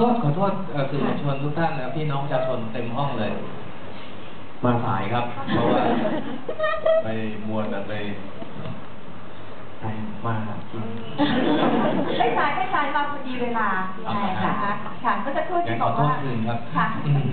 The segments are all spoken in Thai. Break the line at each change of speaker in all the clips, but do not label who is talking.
ษสื่อมวลชนทุกท่านและพี่น้องประชาชนเต็มห้องเลยมาสายครับเพราะว่าไปมัวแต่ไปมาจริง
ไม่สายมาพอดีเวลาใช่ค่ะค่ะก็จะพูดที่บอกว่าค่ะ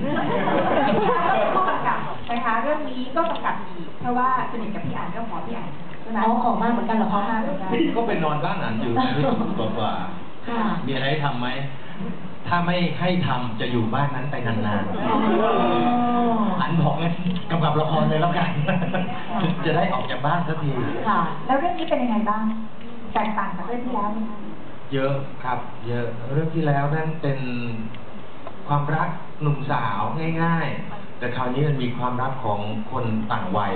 ก็กำกับนะคะเรื่องนี้ก็กำกับอีกเพราะว่าสนิทกับพี่อ่านก็ขอพี่อ่านใช่ไหม
ขอมากเหมือนกันเหรอคะ
ก็ไปนอนบ้านอ่านอยู่กว่ามีอะไรให้ทำไหมถ้าไม่ให้ทำจะอยู่บ้านนั้นไปนานๆอันบอกเลยกำกับละครเลยแล้วกันจะได้ออกจากบ้านสักที
ค่ะแล้วเรื่องนี้เป็นยังไงบ้างแตกต่างจากเรื่องที่แล้วไหม
เยอะครับเยอะเรื่องที่แล้วนั่นเป็นความรักหนุ่มสาวง่ายๆแต่คราวนี้มันมีความรักของคนต่างวัย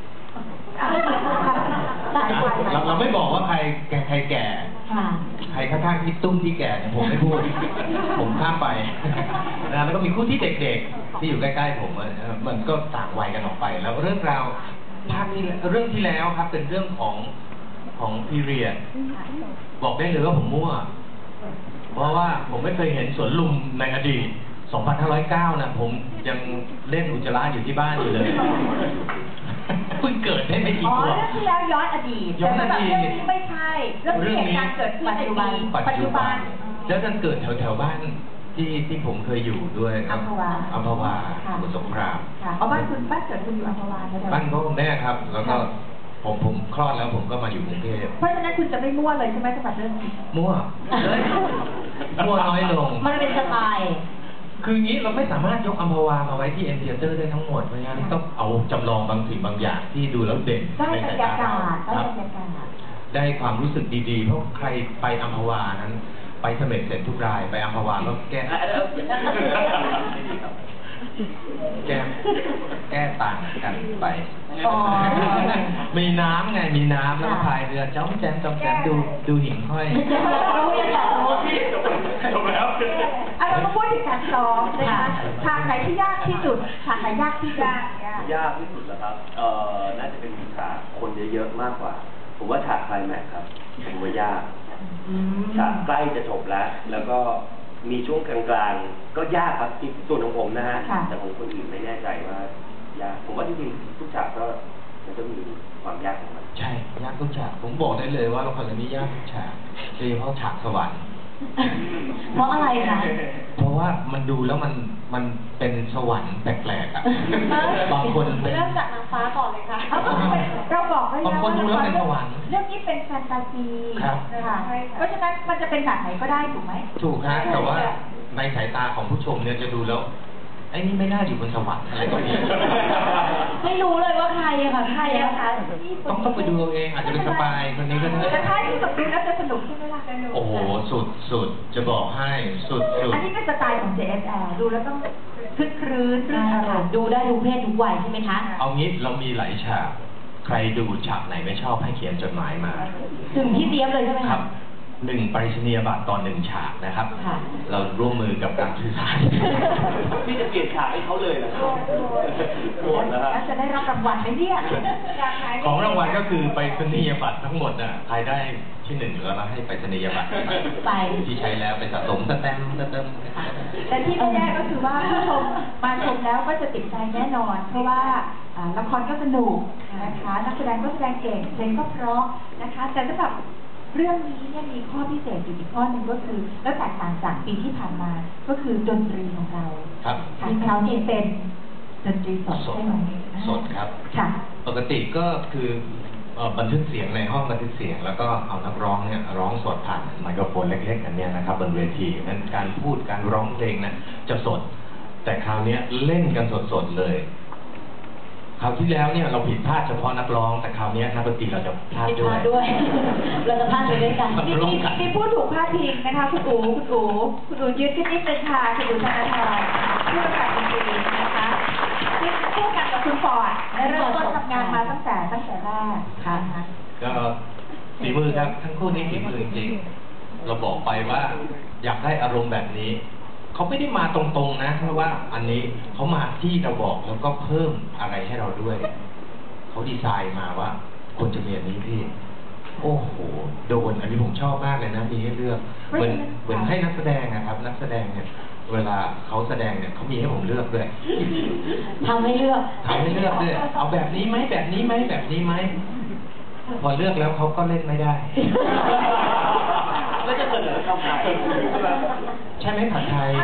เราไม่บอกว่าใครแก่ใครข้างๆที่ตุ้มที่แก่เนี่ยผมไม่พูดผมข้ามไปนะแล้วก็มีคู่ที่เด็กๆที่อยู่ใกล้ๆผมมันก็ต่างวัยกันออกไปแล้วเรื่องราวเรื่องที่แล้วครับเป็นเรื่องของพีเรียดบอกได้เลยว่าผมมั่วเพราะว่าผมไม่เคยเห็นสวนลุมในอดีต2509นะผมยังเล่นอุจจาระอยู่ที่บ้านอยู่เลยเพิ่งเกิดได้ไม่กี่ตัว
เรื่องที่แล้วย้อนอดีตแต่แบบเรื่องนี้ไม่ใช่เรื่องที่เหตุการณ์เกิดขึ้นในปัจจุบัน
แล้วมันเกิดแถวบ้านที่ผมเคยอยู่ด้วย
อัมพวา
สมุทรสงคราม
บ้านเกิดคุณอยู่อัมพวาใช่ไหม
บ้านพ่อคุณแม่ครับแล้วก็ผมคลอดแล้วผมก็มาอยู่กรุงเทพ
เพราะฉะนั้นคุณจะไม่มั่วเลยใช่ไหมสำหรับเรื่องนี้
มั่วน้อยลง
มันเป็นสไตล์
คืองี้เราไม่สามารถยกอัมพวามาไว้ที่เอ็มเทเตอร์ได้ทั้งหมดเพราะงั้นต้องเอาจำลองบางสิ่งบางอย่างที่ดูแล้วเด่น
ในสายตาครับ
ได้ความรู้สึกดีๆเพราะใครไปอัมพวานั้นไปเสม็ดเสร็จทุกรายไปอัมพวาก็แก้ต่างกันไปมีน้ำไงมีน้ำแล้วพายเรือจ้อมแจมดูหิ่งห้อย
จบแล้วเราก็พูดถึงการซ้อมนะคะฉากไหนที่ยากที่สุดฉากไหนยากที่สุด
ยากที่สุดเหรอครับน่าจะเป็นฉากคนเยอะๆมากกว่าผมว่าฉากไคลแม็กซ์ครับผมว่ายากฉากใกล้จะจบแล้วก็มีช่วงกลางๆก็ยากครับส่วนของผมนะฮะแต่ของคนอื่นไม่แน่ใจว่ายากผมว่าจริงๆทุกฉากก็มันก็มีความยากของมัน
ใช่ยากทุกฉากผมบอกได้เลยว่าละครเรื่องนี้ยากทุกฉากโดยเฉพาะฉากสวรรค์
เพราะอะไรคะ
เพราะว่ามันดูแล้วมันเป็นสวรรค์แปลกๆอ่ะบางคน
เริ่มจากนางฟ้าก่อนเลยค่ะ
เราบอกไว้
แล้วว่าเ
รื่องนี้เป็นแฟนตาซีนะคะเพราะฉะนั้นมันจะเป็นแบบไหนก็ได้ถูกไหม
ถูกฮะแต่ว่าในสายตาของผู้ชมเนี่ยจะดูแล้วไอ้นี่ไม่น่าอยู่บนสวรรค์อะไรก็มี
ไม่รู้เลยว่าใครอะค่ะใครอะคะ
ต้องไปดูเองอาจจะเป็นสปายคนนี้ก็ได้
แต่ถ้าที่แบบดูแล้วจะสนุกใช่ไหมล่ะ
โอ้โหสุดจะบอกให้สุด
อันนี้เป็นสไตล์ของ JSL ดูแล้วต้องคลื้นอารมณ์
ดูได้ทุกเพศทุกวัยใช่ไหมคะ
เอางี้เรามีหลายฉากใครดูฉากไหนไม่ชอบให้เขียนจดหมายมา
ถึงพี่เจี๊ยบเลยใช่ไหม
ครับ1 ปริศนียบัตรต่อ1 ฉากนะครับเราร่วมมือกับการสื่อสาร
พี่จะเปลี่ยนฉากให้เขาเลยเหรอโหดนะฮะ
จะได้รับรางวัลไหมเนี่ย
ของรางวัลก็คือไปรษณียบัตรทั้งหมดน่ะใครได้ที่1แล้วให้ไปรษณียบัตร
ไป
ที่ใช้แล้วไปสะสมเติม
แต่ที่แน่ๆก็คือว่าผู้ชมมาชมแล้วก็จะติดใจแน่นอนเพราะว่าละครก็สนุกนะคะนักแสดงก็แสดงเก่งเพลงก็เพราะนะคะแต่สำหรับเรื่องนี้เนี่ยมีข้อพิเศษอยู่อีกข้อหนึ่งก็คือแล้วแตกต่างจากปีที่ผ่านมาก็คือดนตรีของเรา
ครับ
ที่คราวนี้เป็นดนตรีสดใช่ไหม
สดครับ
ค่ะ
ปกติก็คือบันทึกเสียงในห้องบันทึกเสียงแล้วก็เอานักร้องเนี่ยร้องสดผ่านไมโครโฟนเล็กๆอันนี้นะครับบนเวทีนั้นการพูดการร้องเพลงนะจะสดแต่คราวนี้เล่นกันสดๆเลยคราวที่แล้วเนี่ยเราผิดพลาดเฉพาะนักร้องแต่คราวนี้นักดนตรีเราจะพลาด
ด้วยเราจะพลาดด้วยกัน
มีพูดถูกพลาดพิงนะคะคุณอูยืดขึ้นนิดนึงค่ะคุณอูธนาธรผู้ประกาศดนตรีนะคะที่คู่กันกับคุณฟอร์ดและเริ่มต้นทำงานมาตั้งแต่แรกค่ะ
ก็ฝีมือครับทั้งคู่นี้ฝีมือจริงเราบอกไปว่าอยากได้อารมณ์แบบนี้เขาไม่ได้มาตรงๆนะเพราะว่าอันนี้เขามาที่เราบอกแล้วก็เพิ่มอะไรให้เราด้วยเขาดีไซน์มาว่าควรจะมีอันนี้พี่โอ้โหโดนอันนี้ผมชอบมากเลยนะมีให้เลือกเหมือนให้นักแสดงนะครับ นักแสดงเนี่ยเวลาเขาแสดงเนี่ยเขามีให้ผมเลือกด้วย
ทำให้เลือก
ทำให้เลือกด้วยเอาแบบนี้ไหมแบบนี้ไหมแบบนี้ไหมพอเลือกแล้วเขาก็เล่นไม่ได้
แล้วจะเสนอทำไม
ใช่ไหมผัดไทย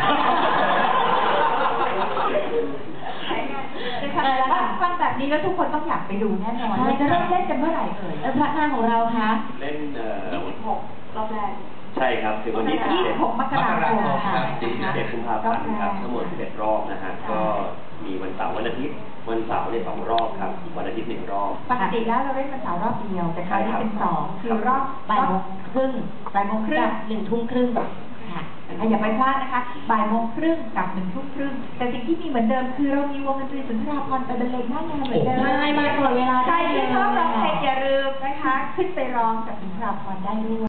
นะคะฟังแบบนี้แล้วทุกคนต้องอยากไปดูแน่นอน
ใช่
จะเริ่มเล่นกันเมื่อไหร่เอ่ย
แล้วพระนางของเราคะ
เล่น
26 รอบแรก
ใช่ครับถึงวันที่
26 มกราคม
ครับ
11กุมภาพันธ์ครับทั้งหมด11รอบนะฮะก็มีวันเสาร์วันอาทิตย์วันเสาร์เนี่ย2 รอบครับวันอาทิตย์1 รอบ
ปกติแล้วเราเล่นวันเสาร์รอบเดียวแต่คราวนี้เป็น2คือรอบ
บ่ายโมงครึ่ง
บ่ายโมงครึ่ง
กับ1 ทุ่มครึ่งค่ะ
อย่าไปพลาดนะคะบ่ายโมงครึ่งกับ1 ทุ่มครึ่งแต่สิ่งที่มีเหมือนเดิมคือเรามีวงดนตรีสุนทราภรณ์ไปบรรเลงหน้างานเหมือนเดิม
ใช่มาก่อนเวลา
ใครที่ชอบร้องเพลงอย่าลืมนะคะ ขึ้นไปร้องกับสุนทราภรณ์ได้ด้วย